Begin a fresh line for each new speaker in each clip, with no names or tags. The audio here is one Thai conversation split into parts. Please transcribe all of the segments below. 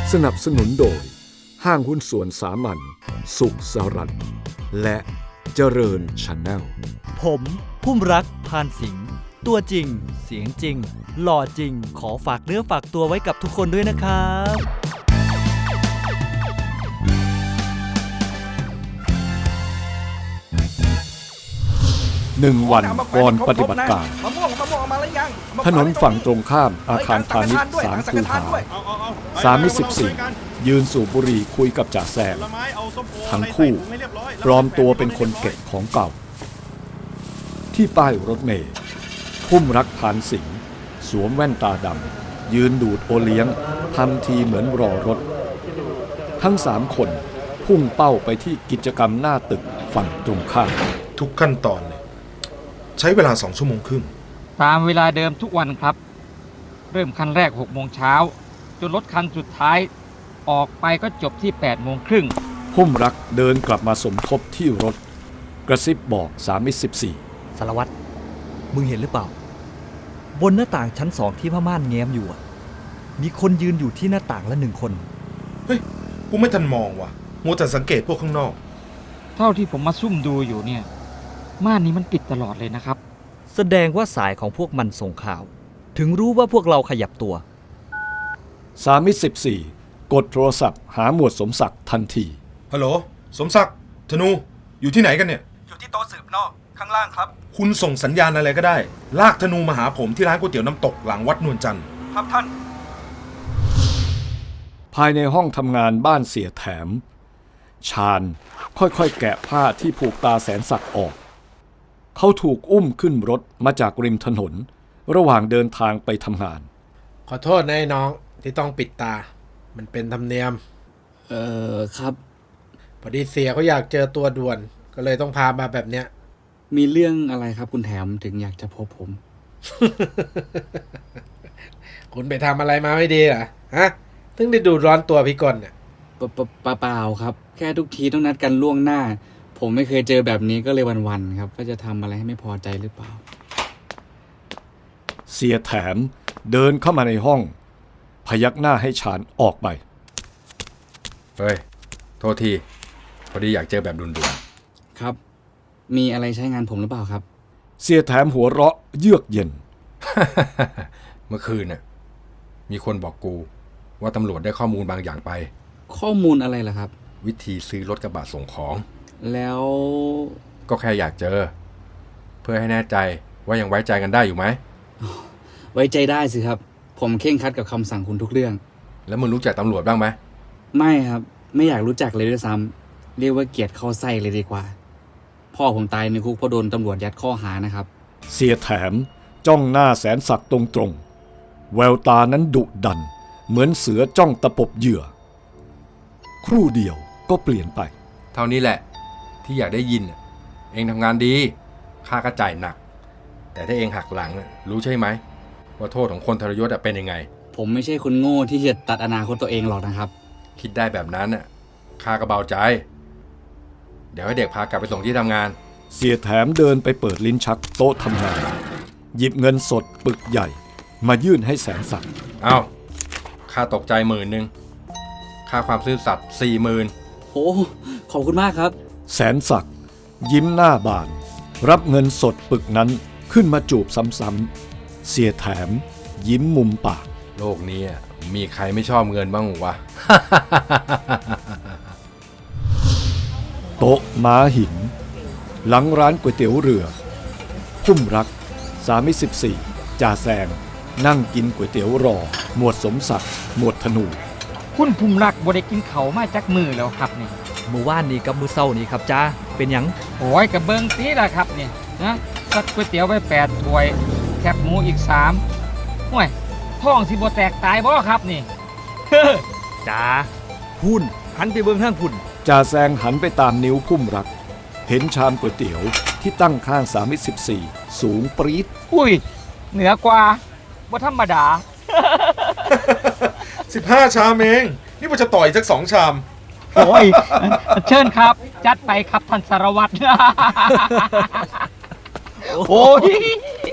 สนับสนุนโดยห้างหุ้นส่วนสามัญสุขสรัตน์และเจริญชาแนล
ผมพุ่มรักพานสิงห์ตัวจริงเสียงจริงหล่อจริงขอฝากเนื้อฝากตัวไว้กับทุกคนด้วยนะครับ
1 วันก่อนปฏิบัติการถนนฝั่งตรงข้ามอาคารพาณิชย์3 คูหา3 มิตร 14ยืนสูบบุหรี่คุยกับจ่าแซมทั้งคู่ปลอมตัวเป็นคนเก็บของเก่าที่ป้ายรถเมล์พุ่มรักพานสิงห์สวมแว่นตาดำยืนดูดโอเลี้ยงทำทีเหมือนรอรถทั้ง3 คนพุ่งเป้าไปที่กิจกรรมหน้าตึกฝั่งตรงข้าม
ทุกขั้นตอนเลยใช้เวลา2 ชั่วโมงครึ่ง
ตามเวลาเดิมทุกวันครับเริ่มคันแรก6 โมงเช้าจนรถคันสุดท้ายออกไปก็จบที่8 โมงครึ่ง
พุ่มรักเดินกลับมาสมทบที่รถกระซิบบอก3 มิตร 14
สารวัตรมึงเห็นหรือเปล่าบนหน้าต่างชั้น2ที่ผ้าม่านแง้มอยู่มีคนยืนอยู่ที่หน้าต่างละ1 คน
เฮ้ยกูไม่ทันมองว่ะมัวแต่สังเกตพวกข้างนอก
เท่าที่ผมมาซุ่มดูอยู่เนี่ยม่านนี้มันปิดตลอดเลยนะครับ
แสดงว่าสายของพวกมันส่งข่าวถึงรู้ว่าพวกเราขยับตัว
3 มิตร 14กดโทรศัพท์หาหมวดสมศักดิ์ทันที
ฮัลโหลสมศักดิ์ธนูอยู่ที่ไหนกันเนี่ย
อยู่ที่โต๊ะสืบนอกข้างล่างครับ
คุณส่งสัญญาณอะไรก็ได้ลากธนูมาหาผมที่ร้านก๋วยเตี๋ยวน้ำตกหลังวัดนวลจันทร์
ครับท่าน
ภายในห้องทำงานบ้านเสียแถมชาญค่อยๆแกะผ้าที่ผูกตาแสนศักดิ์ออกเขาถูกอุ้มขึ้นรถมาจากริมถนนระหว่างเดินทางไปทำงาน
ขอโทษนะไอ้น้องที่ต้องปิดตามันเป็นธรรมเนียม
ครับ
พอดีเสียเขาอยากเจอตัวด่วนก็เลยต้องพามาแบบเนี้ย
มีเรื่องอะไรครับคุณแถมถึงอยากจะพบผม
คุณไปทำอะไรมาไม่ดีเหรอฮะถึงได้ดูร้อนตัวพี่กลเนี่ย
เปล่าครับแค่ทุกทีต้องนัดกันล่วงหน้าผมไม่เคยเจอแบบนี้ก็เลยวันๆครับก็จะทำอะไรให้ไม่พอใจหรือเปล่า
เสียแถมเดินเข้ามาในห้องพยักหน้าให้ชาญออกไป
เฮ้ยโทษทีพอดีอยากเจอแบบด่วน
ๆครับมีอะไรใช้งานผมหรือเปล่าครับ
เสียแถมหัวเราะเยือกเย็น
เมื่อคืนน่ะมีคนบอกกูว่าตำรวจได้ข้อมูลบางอย่างไป
ข้อมูลอะไรล่ะครับ
วิธีซื้อรถกระบะส่งของ
แล้ว
ก็แค่อยากเจอเพื่อให้แน่ใจว่ายังไว้ใจกันได้อยู่ไหม
ไว้ใจได้สิครับผมเคร่งครัดกับคำสั่งคุณทุกเรื่อง
แล้วมึงรู้จักตำรวจบ้างไหม
ไม่ครับไม่อยากรู้จักเลยด้วยซ้ำเรียกว่าเกลียดเข้าไส้เลยดีกว่าพ่อผมตายในคุกเพราะโดนตำรวจยัดข้อหานะครับ
เสียแถมจ้องหน้าแสนศักดิ์ตรงๆแววตานั้นดุดันเหมือนเสือจ้องตะปบเหยื่อครู่เดียวก็เปลี่ยนไป
เท่านี้แหละที่อยากได้ยินเองทำงานดีค่าก็จ่ายหนักแต่ถ้าเองหักหลังรู้ใช่ไหมว่าโทษของคนทรยศเป็นยังไง
ผมไม่ใช่คนโง่ที่จะตัดอนาคตตัวเองหรอกนะครับ
คิดได้แบบนั้นข้าก็เบาใจเดี๋ยวให้เด็กพากลับไปส่งที่ทำงาน
เสียแถมเดินไปเปิดลิ้นชักโต๊ะทำงานหยิบเงินสดปึกใหญ่มายื่นให้แสนศักดิ์
เอาข้าตกใจ10,000ค่าความซื่อสัตย์40,000
โอ้ขอบคุณมากครับ
แสนศักดิ์ยิ้มหน้าบานรับเงินสดปึกนั้นขึ้นมาจูบซ้ำๆเสียแถมยิ้มมุมปาก
โลกนี้มีใครไม่ชอบเงินบ้างวะ
โต๊ะม้าหินหลังร้านก๋วยเตี๋ยวเรือพุ่มรัก3 มิตร 14จ่าแซงนั่งกินก๋วยเตี๋ยวรอหมวดสมศักดิ์หมวดธนู
คุณพุ่มรักบ่ได้กินเขามาจากมือแล้วครับนี่
เมื่อวานนี้กับมื้อเช้านี้ครับจ้าเป็นหยัง
โอ้ยกับเบิ่งตีล่ะครับนี่นะสักก๋วยเตี๋ยวไป8 ถ้วยแคบหมูอีก3ห่วยท้องสิบ่แตกตายบ่ครับนี่
จ้าพุ่นหันไปเบิ่งทางพุ่น
จ่าแซงหันไปตามนิ้วพุ่มรักเห็นชามก๋วยเตี๋ยวที่ตั้งข้าง3 มิตร 14สูงปรี๊ด
อุ้ยเหนือกว่าบ่ธรรมดา
15 ชามเองนี่มันจะต่อยสัก2 ชาม
โอ้ยเชิญครับจัดไปครับท่านสารวัตรโอ้ย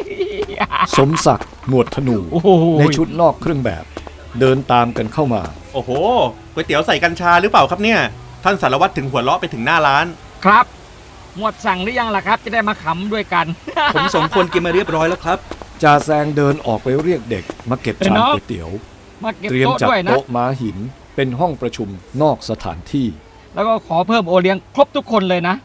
สมศักดิ์หมวดธนูในชุดนอกเครื่องแบบเดินตามกันเข้ามา
โอ้โหก๋วยเตี๋ยวใส่กัญชาหรือเปล่าครับเนี่ยท่านสารวัตรถึงหัวเราะไปถึงหน้าร้าน
ครับ หมวดสั่งหรือยังล่ะครับ จะได้มาขำด้วยกัน
ผมสองคนกินมาเรียบร้อยแล้วครับ
จ่าแซงเดินออกไปเรียกเด็กมาเก็บชามก๋วยเตี๋ยว
มาเก็บ
เตรียม
โต๊ะ
จัด
ด้วยนะ
โต๊ะม้าหินเป็นห้องประชุมนอกสถานที่
แล้วก็ขอเพิ่มโอเลี้ยงครบทุกคนเลยนะ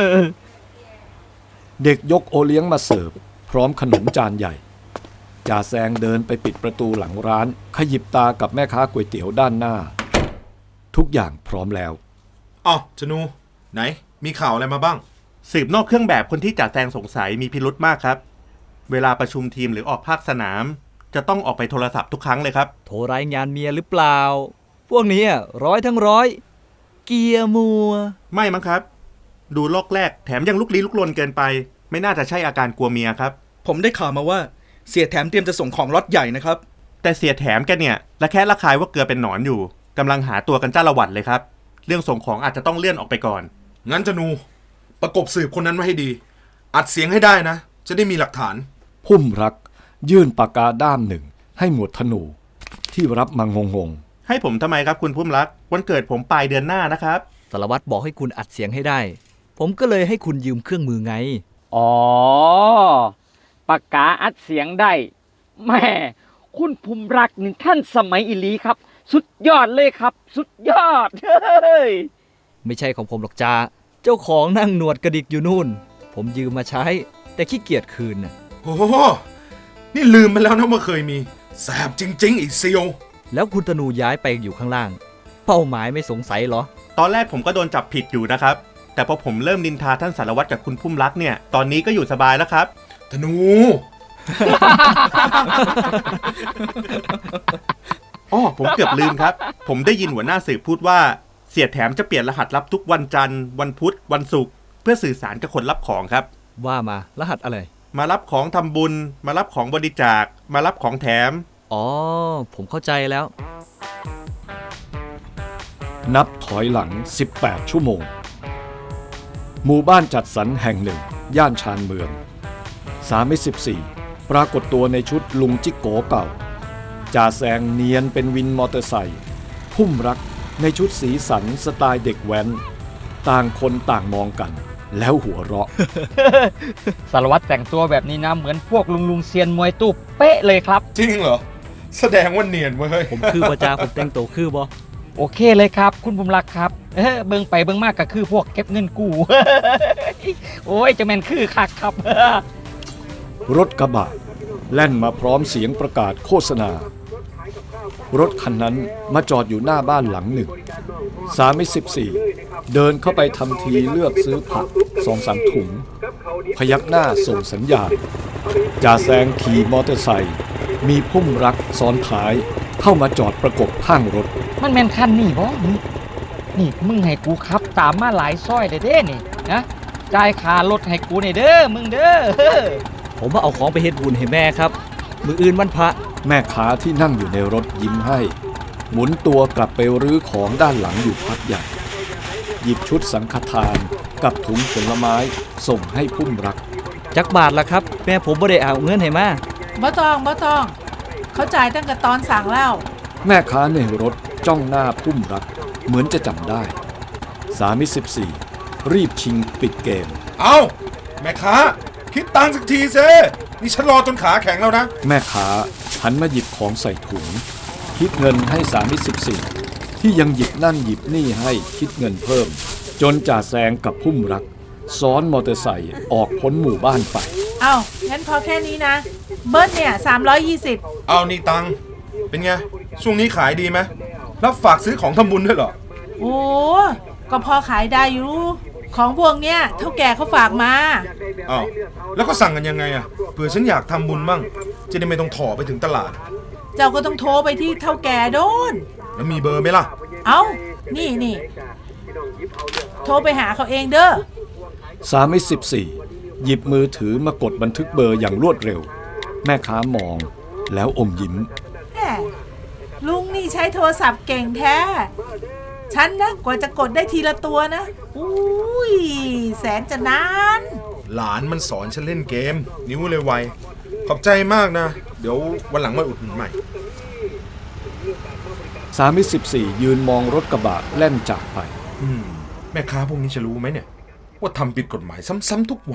เด็กยกโอเลี้ยงมาเสิร์ฟพร้อมขนมจานใหญ่จ่าแซงเดินไปปิดประตูหลังร้านขยิบตากับแม่ค้าก๋วยเตี๋ยวด้านหน้า ทุกอย่างพร้อมแล้ว
อ๋อชนู ไหน มีข่าวอะไรมาบ้าง
สืบนอกเครื่องแบบคนที่จ่าแซงสงสัยมีพิรุธมากครับเวลาประชุมทีมหรือออกภาคสนาม จะต้องออกไปโทรศัพท์ทุกครั้งเลยครับ
โทรรายงานเมียหรือเปล่า พวกนี้ร้อยทั้งร้อย เกียร์มัว
ไม่มั้งครับ ดูโลกแรกแถมยังลุกลี้ลุกลนเกินไป ไม่น่าจะใช่อาการกลัวเมียครับ
ผมได้ข่าวมาว่าเสียแถมเตรียมจะส่งของล็อตใหญ่นะครับ
แต่เสียแถมแกเนี่ยระแคะระคายว่าเกลือเป็นหนอนอยู่กำลังหาตัวกันจ้าละหวัดเลยครับเรื่องส่งของอาจจะต้องเลื่อนออกไปก่อน
งั้นชนู ประกบสืบคนนั้นไว้ให้ดี อัดเสียงให้ได้นะ จะได้มีหลักฐาน
พุ่มรักยื่นปากกาด้ามหนึ่งให้หมวดธนู ที่รับมางง
ให้ผมทำไมครับคุณพุ่มรักวันเกิดผมปลายเดือนหน้านะครับ
สารวัตรบอกให้คุณอัดเสียงให้ได้ ผมก็เลยให้คุณยืมเครื่องมือไง
อ๋อ ปากกาอัดเสียงได้แม่คุณภูมิรักนี่ท่านสมัยอิลีครับ สุดยอดเลยครับ สุดยอด เฮ้ย
ไม่ใช่ของผมหรอกจ้าเจ้าของนั่งหนวดกระดิกอยู่นู่น ผมยืมมาใช้ แต่ขี้เกียจคืนน่ะ
โอ้โห นี่ลืมไปแล้วนะว่าเคยมี แสบจริงๆอีเซียว
แล้วคุณธนูย้ายไปอยู่ข้างล่าง เป้าหมายไม่สงสัยเหรอ
ตอนแรกผมก็โดนจับผิดอยู่นะครับแต่พอผมเริ่มนินทาท่านสารวัตรกับคุณพุ่มรักเนี่ยตอนนี้ก็อยู่สบายแล้วครับ
ธนู
อ๋อผมเกือบลืมครับ ผมได้ยินหัวหน้าสืบพูดว่าเสียแถมจะเปลี่ยนรหัสลับทุกวันจันทร์วันพุธวันศุกร์เพื่อสื่อสารกับคนรับของครับ
ว่ามารหัสอะไร
มารับของทำบุญ มารับของบริจาคมารับของแถม
อ๋อ ผมเข้าใจแล้ว
นับถอยหลัง 18 ชั่วโมง หมู่บ้านจัดสรรแห่งหนึ่ง ย่านชานเมือง314ปรากฏตัวในชุดลุงจิกโกเก่าจ่าแซงเนียนเป็นวินมอเตอร์ไซค์พุ่มรักในชุดสีสันสไตล์เด็กแว้น ต่างคนต่างมองกัน แล้วหัวเราะ
สารวัตรแต่งตัวแบบนี้นะเหมือนพวกลุงเซียนมวยตู้เป๊ะเลยครับ
จริงเหรอ แสดงว่าเนียนเว้ย
ผมคือประจาผมแต่งตัวคือบ่
โอเคเลยครับ คุณภูมิรักครับเบิ่งไปเบิ่งมากก็คือพวกเก็บเงินกู้ โอ้ยจะแม่นคือคักครับ
รถกระบะแล่นมาพร้อมเสียงประกาศโฆษณา รถคันนั้นมาจอดอยู่หน้าบ้านหลังหนึ่ง314เดินเข้าไปทำทีเลือกซื้อผัก2-3 ถุง พยักหน้าส่งสัญญาณจ่าแซงขี่มอเตอร์ไซค์มีพุ่มรักซ้อนท้ายเข้ามาจอดประกบข้างรถ
มันแม่นคันนี่บ่นี่มึงให้กูขับตามมาหลายซอยเด้นี่นะจ่ายค่ารถให้กูนี่เด้อมึงเด้อ
ผมมาเอาของไปเฮ็ดบุญให้แม่ครับ มืออื่นวันพระ
แม่ค้าที่นั่งอยู่ในรถยิ้มให้ หมุนตัวกลับไปรื้อของด้านหลังอยู่พักใหญ่ หยิบชุดสังฆทานกับถุงผลไม้ส่งให้พุ่มรัก
จักบาทละครับ แม่ผมบ่ได้เอาเงินให้มา
บ่ต้องเขาจ่ายตั้งแต่ตอนสั่งแล้ว
แม่ค้าในรถจ้องหน้าพุ่มรักเหมือนจะจำได้314รีบชิงปิดเกม
เอาแม่ค้า คิดตังค์สักทีเซนี่ฉันรอจนขาแข็งแล้วนะ
แม่ค้าหันมาหยิบของใส่ถุง คิดเงินให้314ที่ยังหยิบนั่นหยิบนี่ให้คิดเงินเพิ่ม จนจ่าแซงกับพุ่มรัก ซ้อนมอเตอร์ไซค์ออกพ้นหมู่บ้านไป
เอางั้นพอแค่นี้นะ เบิ้ลเนี่ย320
เอานี่ตังค์เป็นไง ช่วงนี้ขายดีไหมรับฝากซื้อของทำบุญด้วยเหรอ
โอ้ก็พอขายได้อยู่ ของพวกเนี้ยเท่าแก่เขาฝากมา
อ้าวแล้วก็สั่งกันยังไงอะเผื่อฉันอยากทำบุญบ้างจะได้ไม่ต้องถ่อไปถึงตลาด
เจ้าก็ต้องโทรไปที่เท่าแก่โดน
แล้วมีเบอร์ไหมล่ะ
เอานี่โทรไปหาเขาเองเด้อ
314หยิบมือถือมากดบันทึกเบอร์อย่างรวดเร็ว แม่ค้ามองแล้วอมยิ้ม
แหมลุงนี่ใช้โทรศัพท์เก่งแท้ ฉันนะกว่าจะกดได้ทีละตัวนะอุ้ยแสนจะนาน
หลานมันสอนฉันเล่นเกม นิ้วเลยไวขอบใจมากนะ เดี๋ยววันหลังมาอุดหนุนใหม่
34ยืนมองรถกระบะแล่นจากไป
แม่ค้าพวกนี้จะรู้ไหมเนี่ย ว่าทำผิดกฎหมายซ้ำๆทุกวัน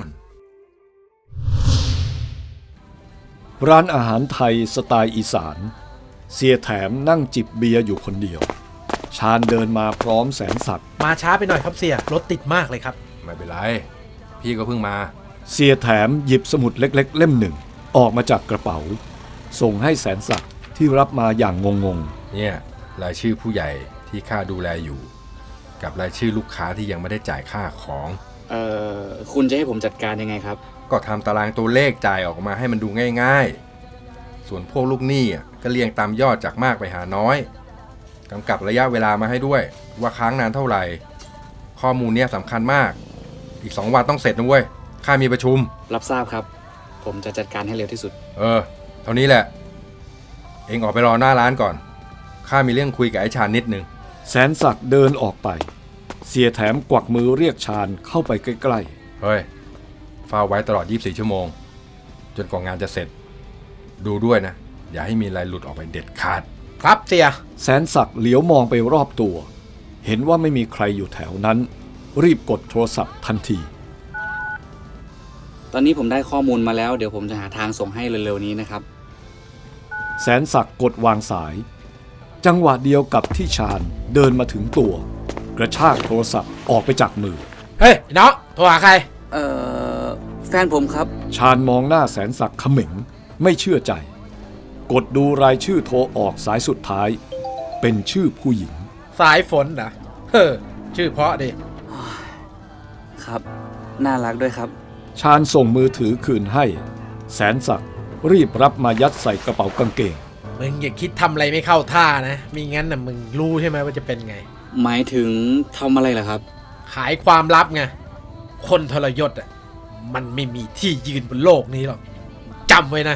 ร้านอาหารไทยสไตล์อีสานเสียแถมนั่งจิบเบียร์อยู่คนเดียวชาญเดินมาพร้อมแสนศักดิ์
มาช้าไปหน่อยครับเสียรถติดมากเลยครับ
ไม่เป็นไร พี่ก็เพิ่งมา
เสียแถมหยิบสมุดเล็กๆเล่มหนึ่งออกมาจากกระเป๋าส่งให้แสนศักดิ์ที่รับมาอย่างงง
เนี่ยรายชื่อผู้ใหญ่ที่ข้าดูแลอยู่ กับรายชื่อลูกค้าที่ยังไม่ได้จ่ายค่าของ
คุณจะให้ผมจัดการยังไงครับ
ก็ทำตารางตัวเลขจ่ายออกมาให้มันดูง่ายๆส่วนพวกลูกหนี้ก็เรียงตามยอดจากมากไปหาน้อยกำกับระยะเวลามาให้ด้วยว่าค้างนานเท่าไหร่ข้อมูลเนี่ยสำคัญมากอีก2 วันต้องเสร็จนะเว้ยข้ามีประชุม
รับทราบครับ ผมจะจัดการให้เร็วที่สุด
เท่านี้แหละเองออกไปรอหน้าร้านก่อนข้ามีเรื่องคุยกับไอ้ชาญนิดนึง
ๆแสนศักดิ์เดินออกไปเสียแถมกวักมือเรียกชาญเข้าไปใกล้ๆ
เฮ้ยเฝ้าไว้ตลอด24 ชั่วโมงจนกว่างานจะเสร็จดูด้วยนะอย่าให้มีอะไรหลุดออกไปเด็ดขาด
ครับเสีย
แสนศักดิ์เหลียวมองไปรอบตัวเห็นว่าไม่มีใครอยู่แถวนั้นรีบกดโทรศัพท์ทันที
ตอนนี้ผมได้ข้อมูลมาแล้วเดี๋ยวผมจะหาทางส่งให้เร็วๆนี้นะครับ
แสนศักดิ์กดวางสายจังหวะเดียวกับที่ชาญเดินมาถึงตัวกระชากโทรศัพท์ออกไปจากมือ
เฮ้ยน้องโทรหาใคร
แฟนผมครับ
ชาญมองหน้าแสนศักดิ์เขม็งไม่เชื่อใจกดดูรายชื่อโทรออกสายสุดท้ายเป็นชื่อผู้หญิง
สายฝนนะเฮ้อชื่อเพราะดิ
ครับน่ารักด้วยครับ
ชาญส่งมือถือคืนให้แสนศักดิ์รีบรับมายัดใส่กระเป๋ากางเกง
มึงอย่าคิดทำอะไรไม่เข้าท่านะมิงั้นน่ะมึงรู้ใช่ไหมว่าจะเป็นไง
หมายถึงทำอะไรล่ะครับ
ขายความลับไงคนทรยศมันไม่มีที่ยืนบนโลกนี้หรอกจำไว้นะ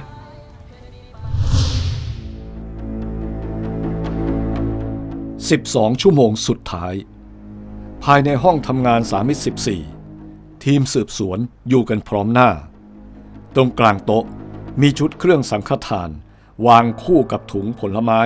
12 ชั่วโมงสุดท้ายภายในห้องทำงาน314ทีมสืบสวนอยู่กันพร้อมหน้าตรงกลางโต๊ะมีชุดเครื่องสังฆทานวางคู่กับถุงผลไม้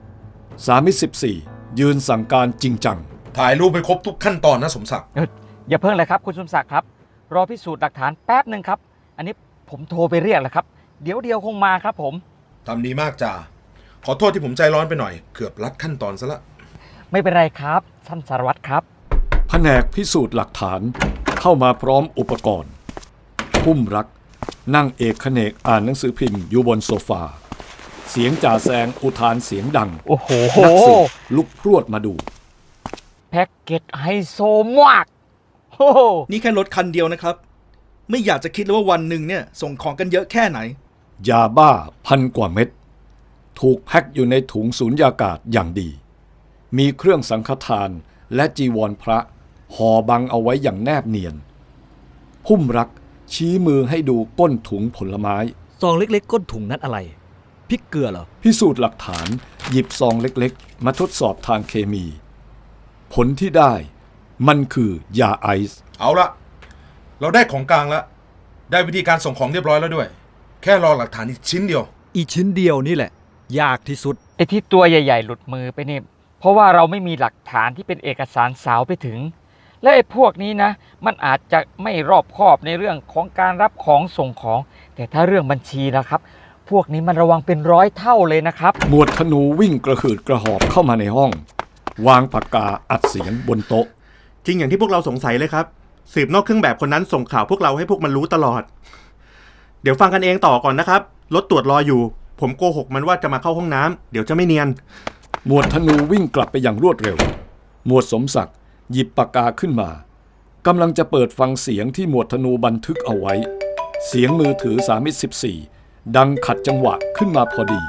314ยืนสั่งการจริงจัง
ถ่ายรูปไปครบทุกขั้นตอนนะสมศักดิ์
อย่าเพิ่งเลยครับคุณสมศักดิ์ครับรอพิสูจน์หลักฐานแป๊บหนึ่งครับอันนี้ผมโทรไปเรียกแล้วครับเดี๋ยวคงมาครับผม
ทำดีมากจ่าขอโทษที่ผมใจร้อนไปหน่อยเกือบลัดขั้นตอนซะละ
ไม่เป็นไรครับท่านสารวัตรครับ
แผนกพิสูจน์หลักฐานเข้ามาพร้อมอุปกรณ์พุ่มรักนั่งเอกเขนกอ่านหนังสือพิมพ์อยู่บนโซฟาเสียงจ่าแซงอุทานเสียงดัง
โอ้โห
นักสืบลุกพรวดมาดู
แพ็กเกจไฮโซมากโอ้โห
นี่แค่รถคันเดียวนะครับไม่อยากจะคิดเลยว่าวันหนึ่งเนี่ยส่งของกันเยอะแค่ไหน
ยาบ้า1,000 กว่าเม็ดถูกแพ็คอยู่ในถุงสูญญากาศอย่างดีมีเครื่องสังฆทานและจีวรพระห่อบังเอาไว้อย่างแนบเนียนพุ่มรักชี้มือให้ดูก้นถุงผลไม้
ซองเล็กๆก้นถุงนั้นอะไรพริกเกลือเหรอ
พิสูจน์หลักฐานหยิบซองเล็กๆมาทดสอบทางเคมีผลที่ได้มันคือยาไอซ์
เอาละเราได้ของกลางแล้วได้วิธีการส่งของเรียบร้อยแล้วด้วย แค่รอหลักฐานอีกชิ้นเดียว
อีชิ้นเดียวนี่แหละยากที่สุด
ไอ้ที่ตัวใหญ่ๆหลุดมือไปนี่เพราะว่าเราไม่มีหลักฐานที่เป็นเอกสารสาวไปถึงและไอ้พวกนี้นะมันอาจจะไม่รอบคอบในเรื่องของการรับของส่งของแต่ถ้าเรื่องบัญชีนะครับพวกนี้มันระวังเป็น100 เท่าเลยนะครับ
หมวดธนูวิ่งกระหืดกระหอบเข้ามาในห้องวางปากกาอัดเสียงบนโต๊ะ
จริงอย่างที่พวกเราสงสัยเลยครับสืบนอกเครื่องแบบคนนั้นส่งข่าวพวกเราให้พวกมันรู้ตลอดเดี๋ยวฟังกันเองต่อก่อนนะครับรถตรวจรออยู่ผมโกหกมันว่าจะมาเข้าห้องน้ำเดี๋ยวจะไม่เนียน
หมวดธนูวิ่งกลับไปอย่างรวดเร็วหมวดสมศักดิ์หยิบปากกาขึ้นมากำลังจะเปิดฟังเสียงที่หมวดธนูบันทึกเอาไว้เสียงมือถือ314ดังขัดจังหวะขึ้นมาพอดี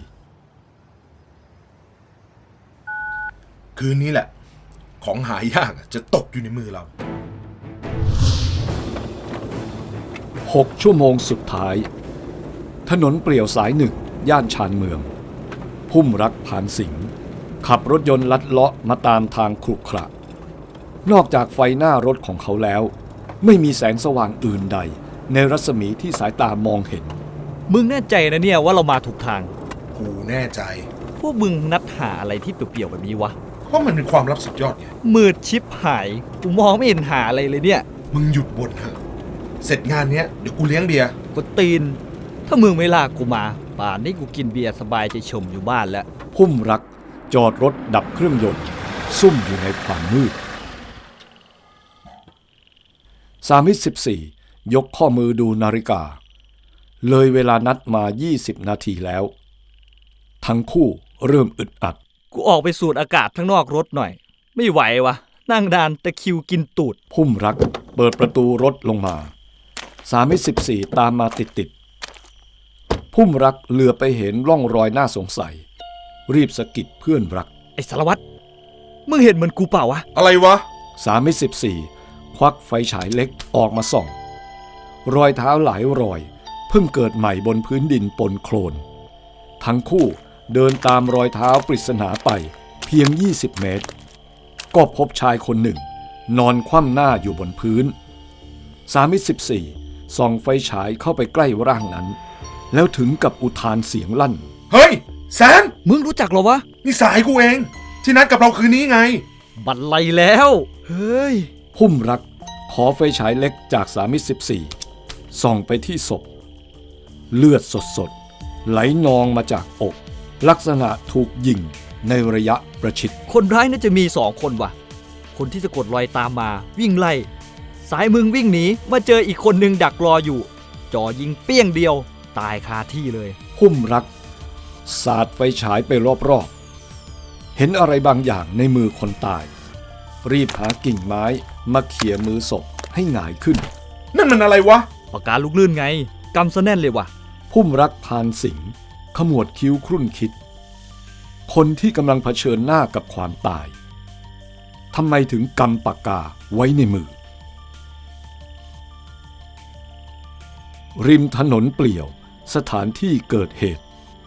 คืนนี้แหละของหายากจะตกอยู่ในมือเรา
6 ชั่วโมงสุดท้ายถนนเปลี่ยวสายหนึ่งย่านชานเมืองพุ่มรักผ่านสิงห์ขับรถยนต์ลัดเลาะมาตามทางขรุขระนอกจากไฟหน้ารถของเขาแล้วไม่มีแสงสว่างอื่นใดในรัศมีที่สายตามองเห็น
มึงแน่ใจนะเนี่ยว่าเรามาถูกทาง
กูแน่ใจ
พวกมึงนัดหาอะไรที่เปลี่ยวๆแบบนี้วะ
เพราะมันเป็นความลับสุดยอดไง
มืดชิบหายกูมองไม่เห็นหาอะไรเลยเนี่ย
มึงหยุดบ่นเถอะเสร็จงานเนี้ยเดี๋ยวกูเลี้ยงเบียร์
กูตีน ถ้ามึงไม่ลากกูมาป่านนี้กูกินเบียร์สบายใจชมอยู่บ้านแล้ว
พุ่มรักจอดรถดับเครื่องยนต์ซุ่มอยู่ในความมืด314ยกข้อมือดูนาฬิกาเลยเวลานัดมา20นาทีแล้วทั้งคู่เริ่มอึดอัด
กูออกไปสูดอากาศข้างนอกรถหน่อย ไม่ไหววะนั่งดานตะคริวกินตูด
พุ่มรักเปิดประตูรถลงมา314ตามมาติดๆพุ่มรักเหลือไปเห็นร่องรอยน่าสงสัยรีบสะกิดเพื่อนรัก
ไอ้สารวัตรมึงเห็นเหมือนกูเปล่าวะ
อะไรวะ
314ควักไฟฉายเล็กออกมาส่อง รอยเท้าหลายรอยเพิ่งเกิดใหม่บนพื้นดินปนโคลนทั้งคู่เดินตามรอยเท้าปริศนาไปเพียง20เมตรก็พบชายคนหนึ่งนอนคว่ำหน้าอยู่บนพื้น314ส่องไฟฉายเข้าไปใกล้ร่างนั้นแล้วถึงกับอุทานเสียงลั่น
เฮ้ยแซน
มึงรู้จักเหรอวะ
นี่สายกูเอง ที่นัดกับเราคืนนี้ไง
บันไลแล้วเฮ้ย
พุ่มรักขอไฟฉายเล็กจาก314ส่องไปที่ศพเลือดสดๆไหลนองมาจากอกลักษณะถูกยิงในระยะประชิด
คนร้ายน่าจะมี2คนว่ะคนที่สะกดรอยตามมาวิ่งไล่สายมึงวิ่งหนีมาเจออีกคนหนึ่งดักรออยู่จ่อยิงเปี้ยงเดียวตายคาที่เลย
พุ่มรักสาดไฟฉายไปรอบๆเห็นอะไรบางอย่างในมือคนตายรีบหากิ่งไม้มาเขี่ยมือศพให้หงายขึ้น
นั่นมันอะไรวะ
ปากกาลูกลื่นไงกำซะแน่นเลยว่ะ
พุ่มรักพานสิงห์ขมวดคิ้วครุ่นคิดคนที่กำลังเผชิญหน้ากับความตายทำไมถึงกำปากกาไว้ในมือริมถนนเปลี่ยวสถานที่เกิดเหตุ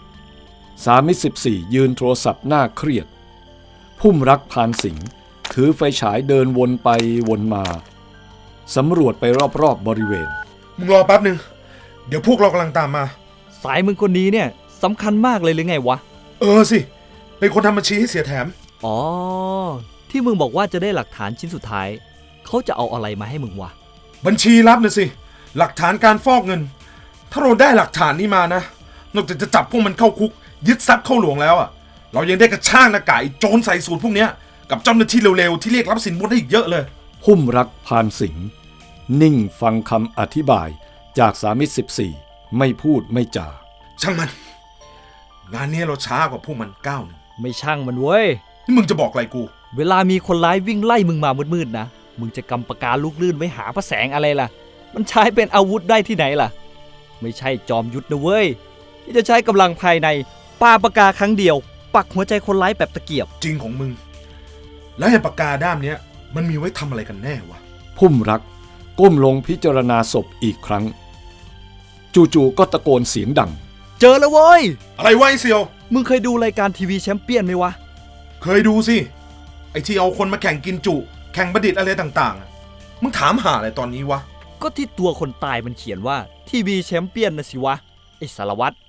314ยืนโทรศัพท์หน้าเครียดพุ่มรักพานสิงห์ถือไฟฉายเดินวนไปวนมาสำรวจไปรอบๆบริเวณ
มึงรอแป๊บหนึ่งเดี๋ยวพวกเรากำลังตามมา
สายมึงคนนี้เนี่ยสำคัญมากเลยหรือไงวะ
สิเป็นคนทำบัญชีให้เสียแถม
อ๋อที่มึงบอกว่าจะได้หลักฐานชิ้นสุดท้ายเขาจะเอาอะไรมาให้มึงวะ
บัญชีลับนะสิหลักฐานการฟอกเงิน ถ้าเราได้หลักฐานนี้มานะนอกจากจะจับพวกมันเข้าคุกยึดทรัพย์เข้าหลวงแล้วอ่ะเรายังได้กระชากหน้ากากโจรใส่สูตรพวกเนี้ยกับเจ้าหน้าที่เร็วๆที่เรียกรับสินบนได้อีกเยอะเลย
พุ่มรักพานสิงห์นิ่งฟังคำอธิบายจาก314ไม่พูดไม่จา
ช่างมันงานนี้เราช้ากว่าพวกมันก้าวหนึ่ง
ไม่ช่างมันเว้ย
นี่มึงจะบอกอะไรกู
เวลามีคนร้ายวิ่งไล่มึงมามืดๆนะมึงจะกำปากกาลูกลื่นไว้หาพระแสงอะไรล่ะมันใช้เป็นอาวุธได้ที่ไหนล่ะไม่ใช่จอมยุทธนะเว้ยที่จะใช้กำลังภายในปาปากกาครั้งเดียวปักหัวใจคนร้ายแบบตะเกียบ
จริงของมึงแล้วไอ้ปากกาด้ามเนี้ยมันมีไว้ทำอะไรกันแน่วะ
พุ่มรักก้มลงพิจารณาศพอีกครั้งจู่ๆก็ตะโกนเสียงดัง
เจอแล้วเว้ย
อะไรวะไอ้เซียว
มึงเคยดูรายการทีวีแชมเปี้ยนไหมวะ
เคยดูสิไอ้ที่เอาคนมาแข่งกินจุแข่งประดิษฐ์อะไรต่างๆมึงถามหาอะไรตอนนี้วะ
ก็ที่ตัวคนตายมันเขียนว่าทีวีแชมเปี้ยนนะสิวะไอ้สารวัตร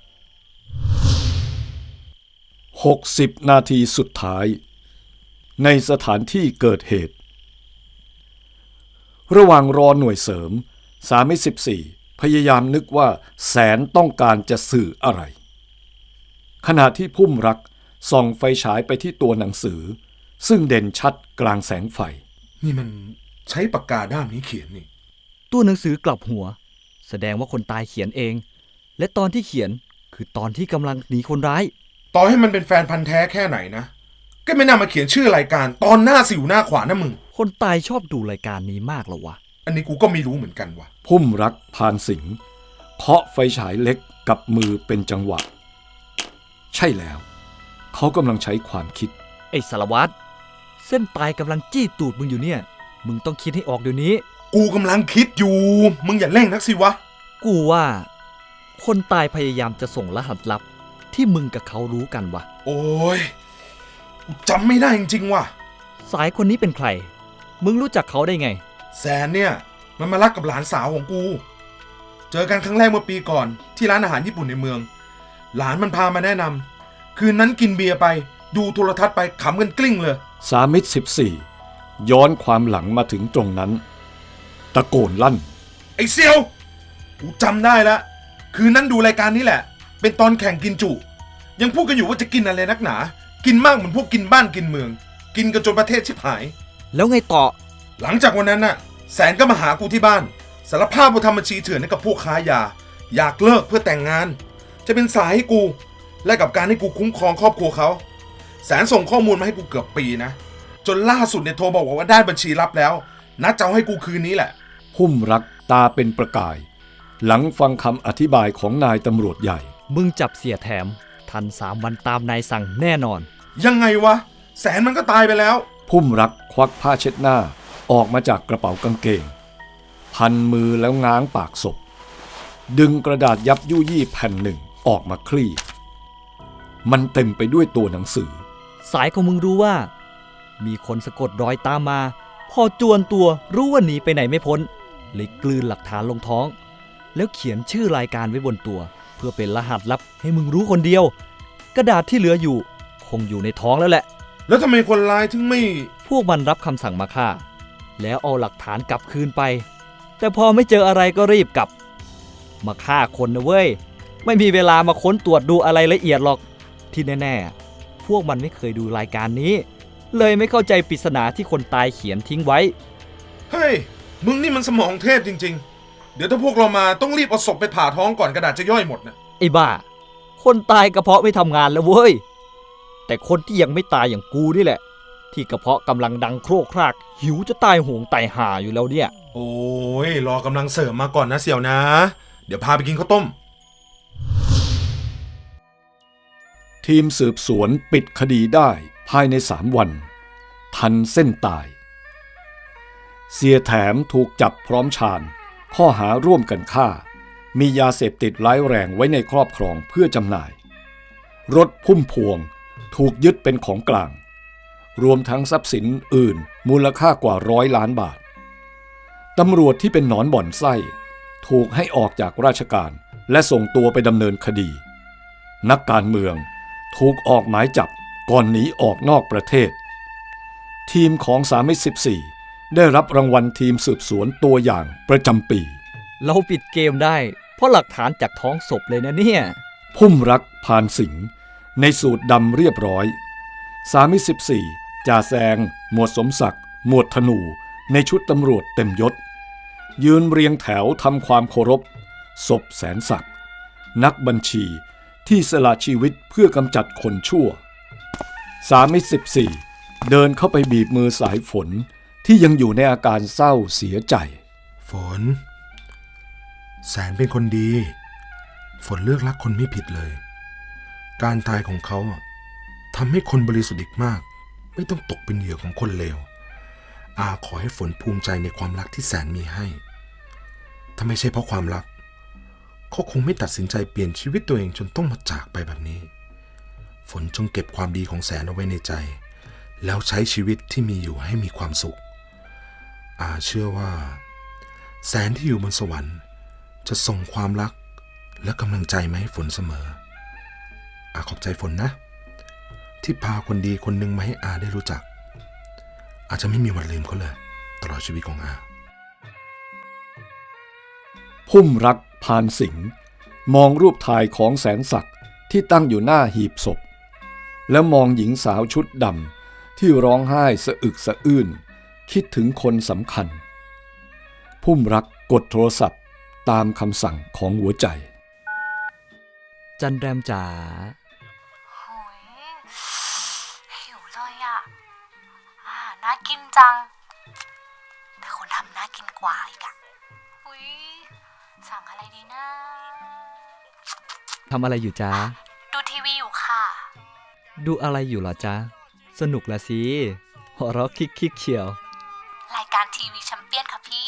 60นาทีสุดท้ายในสถานที่เกิดเหตุระหว่างรอหน่วยเสริม314พยายามนึกว่าแสนต้องการจะสื่ออะไรขณะที่พุ่มรักส่องไฟฉายไปที่ตัวหนังสือซึ่งเด่นชัดกลางแสงไฟ
นี่มันใช้ปากกาด้ามนี้เขียนนี่
ตัวหนังสือกลับหัวแสดงว่าคนตายเขียนเองและตอนที่เขียนคือตอนที่กำลังหนีคนร้าย
ต่อให้มันเป็นแฟนพันธ์แท้แค่ไหนนะก็ไม่น่ามาเขียนชื่อรายการตอนหน้าสิวหน้าขวานนะมึง
คนตายชอบดูรายการนี้มากเหรอวะ
อันนี้กูก็ไม่รู้เหมือนกันวะ
พุ่มรักพานสิงห์เคาะไฟฉายเล็กกับมือเป็นจังหวะใช่แล้วเขากำลังใช้ความคิด
ไอ้สารวัตรเส้นตายกำลังจี้ตูดมึงอยู่เนี่ยมึงต้องคิดให้ออกเดี๋ยวนี้
กูกำลังคิดอยู่มึงอย่าเร่งนักสิวะ
กูว่าคนตายพยายามจะส่งรหัสลับที่มึงกับเขารู้กันวะ
โอ้ยกูจำไม่ได้จริงๆว่ะ
สายคนนี้เป็นใครมึงรู้จักเขาได้ไง
แสนเนี่ยมันมารักกับหลานสาวของกูเจอกันครั้งแรกเมื่อปีก่อนที่ร้านอาหารญี่ปุ่นในเมืองหลานมันพามาแนะนคืนนั้นกินเบียร์ไปดูโทรทัศน์ไปขำกันกลิ้งเลย
สามิตร14ย้อนความหลังมาถึงตรงนั้นตะโกนลั่น
ไอ้เซียวกูจำได้แล้วคืนนั้นดูรายการนี้แหละเป็นตอนแข่งกินจุยังพูดกันอยู่ว่าจะกินอะไรนักหนากินมากเหมือนพวกกินบ้านกินเมืองกินกันจนประเทศชิบหาย
แล้วไงต่อ
หลังจากวันนั้นน่ะแสนก็มาหากูที่บ้านสารภาพว่าทำบัญชีเถื่อนให้กับพวกค้ายาอยากเลิกเพื่อแต่งงานจะเป็นสายให้กูและกับการให้กูคุ้มครองครอบครัวเขาแสนส่งข้อมูลมาให้กูเกือบปีนะจนล่าสุดเนี่ยโทรบอกว่าได้บัญชีลับแล้วนัดจะเอาให้กูคืนนี้แหละ
พุ่มรักตาเป็นประกายหลังฟังคำอธิบายของนายตำรวจใหญ่
มึงจับเสียแถมทัน3 วันตามนายสั่งแน่นอน
ยังไงวะแสนมันก็ตายไปแล้ว
พุ่มรักควักผ้าเช็ดหน้าออกมาจากกระเป๋ากางเกงพันมือแล้วง้างปากศพดึงกระดาษยับยุยี่แผ่นหนึ่งออกมาคลี่มันเต็มไปด้วยตัวหนังสือ
สายของมึงรู้ว่ามีคนสะกดรอยตามมาพอจวนตัวรู้ว่าหนีไปไหนไม่พ้นเลยกลืนหลักฐานลงท้องแล้วเขียนชื่อรายการไว้บนตัวเพื่อเป็นรหัสลับให้มึงรู้คนเดียวกระดาษที่เหลืออยู่คงอยู่ในท้องแล้วแหละ
แล้วทำไมคนร้ายถึงไม่
พวกมันรับคำสั่งมาฆ่าแล้วเอาหลักฐานกลับคืนไปแต่พอไม่เจออะไรก็รีบกลับมาฆ่าคนนะเว้ยไม่มีเวลามาค้นตรวจดูอะไรละเอียดหรอกที่แน่ๆพวกมันไม่เคยดูรายการนี้เลยไม่เข้าใจปริศนาที่คนตายเขียนทิ้งไว้
เฮ้ยมึงนี่มันสมองเทพจริงๆเดี๋ยวถ้าพวกเรามาต้องรีบเอาศพไปผ่าท้องก่อนกระดาษจะย่อยหมดนะ
ไอ้บ้าคนตายกระเพาะไม่ทำงานแล้วเว้ยแต่คนที่ยังไม่ตายอย่างกูนี่แหละที่กระเพาะกำลังดังโครกครากหิวจะตายโหงตายห่าอยู่แล้วเนี่ย
โอ้ยรอกำลังเสริมมาก่อนนะเสี่ยวนะ เดี๋ยวพาไปกินข้าวต้ม
ทีมสืบสวนปิดคดีได้ภายใน3 วันทันเส้นตายเสียแถมถูกจับพร้อมชาญข้อหาร่วมกันฆ่ามียาเสพติดร้ายแรงไว้ในครอบครองเพื่อจำหน่ายรถพุ่มพวงถูกยึดเป็นของกลางรวมทั้งทรัพย์สินอื่นมูลค่ากว่า100 ล้านบาทตำรวจที่เป็นหนอนบ่อนไส้ถูกให้ออกจากราชการและส่งตัวไปดำเนินคดีนักการเมืองถูกออกหมายจับก่อนหนีออกนอกประเทศทีมของ314ได้รับรางวัลทีมสืบสวนตัวอย่างประจำปี
เราปิดเกมได้เพราะหลักฐานจากท้องศพเลยนะเนี่ย
พุ่มรักพานสิงห์ในสูตรดำเรียบร้อย314จ่าแซงหมวดสมศักดิ์หมวดธนูในชุดตำรวจเต็มยศยืนเรียงแถวทำความเคารพศพแสนศักดิ์นักบัญชีที่สละชีวิตเพื่อกำจัดคนชั่ว314เดินเข้าไปบีบมือสายฝนที่ยังอยู่ในอาการเศร้าเสียใจ
ฝนแสนเป็นคนดีฝนเลือกรักคนไม่ผิดเลยการตายของเขาทำให้คนบริสุทธิ์อีกมากไม่ต้องตกเป็นเหยื่อของคนเลวอาขอให้ฝนภูมิใจในความรักที่แสนมีให้ถ้าไม่ใช่เพราะความรักเขาคงไม่ตัดสินใจเปลี่ยนชีวิตตัวเองจนต้องมาจากไปแบบนี้ฝนจงเก็บความดีของแสนเอาไว้ในใจแล้วใช้ชีวิตที่มีอยู่ให้มีความสุขอาเชื่อว่าแสนที่อยู่บนสวรรค์จะส่งความรักและกำลังใจมาให้ฝนเสมออาขอบใจฝนนะที่พาคนดีคนหนึ่งมาให้อาได้รู้จักอาจจะไม่มีวันลืมเขาเลยตลอดชีวิตของอา
พุ่มรักพานสิงห์มองรูปถ่ายของแสนศักดิ์ที่ตั้งอยู่หน้าหีบศพแล้วมองหญิงสาวชุดดำที่ร้องไห้สะอึกสะอื้นคิดถึงคนสำคัญพุ่มรักกดโทรศัพท์ตามคำสั่งของหัวใจ
จันแรมจ๋า
หิวเลยอ่ะน่ากินจังแต่คนทำน่ากินกว่าอีกอ่ะสั่งอะไรดีนะ
ทำอะไรอยู่จ๊ะ
ดูทีวีอยู่ค่ะ
ดูอะไรอยู่เหรอจ๊ะสนุกละสิหัวเราะคิกเชียว
รายการทีวีแชมเปี้ยนค่ะพี่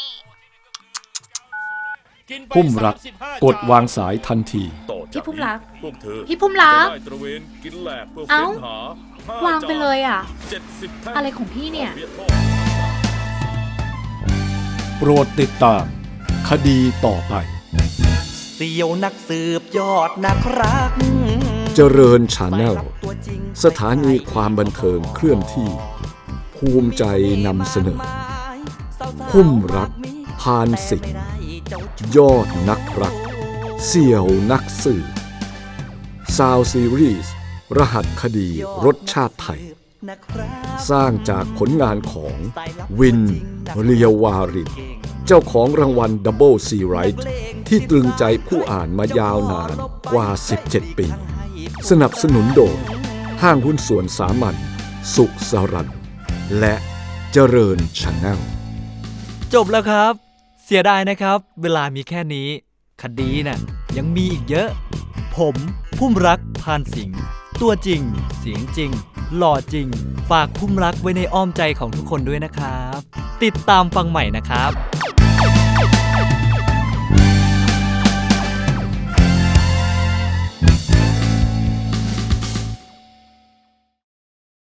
พุ่มรักกดวางสายทันที
พี่พุ่มรักพี่พุ่มรักเอ้าวางไปเลยอ่ะอะไรของพี่เนี่ย
โปรดติดตามคดีต่อไป
เสี่ยวนักสืบยอดนักรัก
เจริญชาแนลสถานีความบันเทิงเคลื่อนที่ ภูมิใจนำเสนอ พุ่มรักพานสิงห์ยอดนักรัก เสี่ยวนักสืบซาวซีรีส์รหัสคดีรสชาติไทย สร้างจากผลงานของวินเรียวารินเจ้าของรางวัลดับเบิลซีไรท์ที่ตรึงใจผู้อ่านมายาวนานกว่า 17 ปี สนับสนุนโดยห้างหุ้นส่วนสามัญสุขสรันและเจริญชาแนล
จบแล้วครับ เสียดายนะครับ เวลามีแค่นี้ คดีน่ะยังมีอีกเยอะ ผมพุ่มรักพานสิงห์ตัวจริงเสียงจริงหล่อจริง ฝากพุ่มรักไว้ในอ้อมใจของทุกคนด้วยนะครับ ติดตามฟังใหม่นะครับ